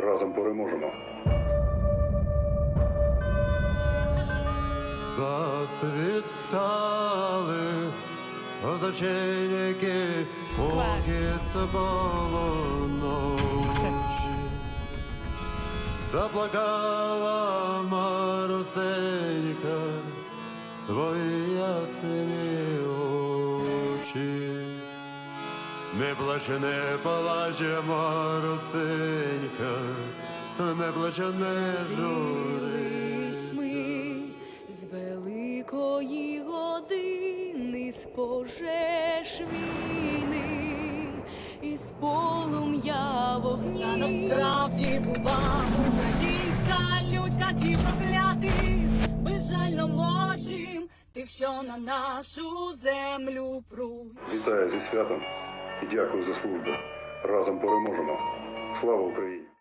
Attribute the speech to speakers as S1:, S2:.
S1: Разом переможемо.
S2: Зацвітали козаченьки, поки це було ночі. Заплакала Марусенька свої ясні очі. Не плаче, не плаче, Марусенька, не плаче, не журись.
S3: Ми з великої години, з пожеж війни, із полум'я вогні.
S4: Та насправді була українська людька, ті прокляти, безжально мочим тих, що на нашу землю пруть.
S1: Вітаю зі святом і дякую за службу. Разом переможемо. Слава Україні!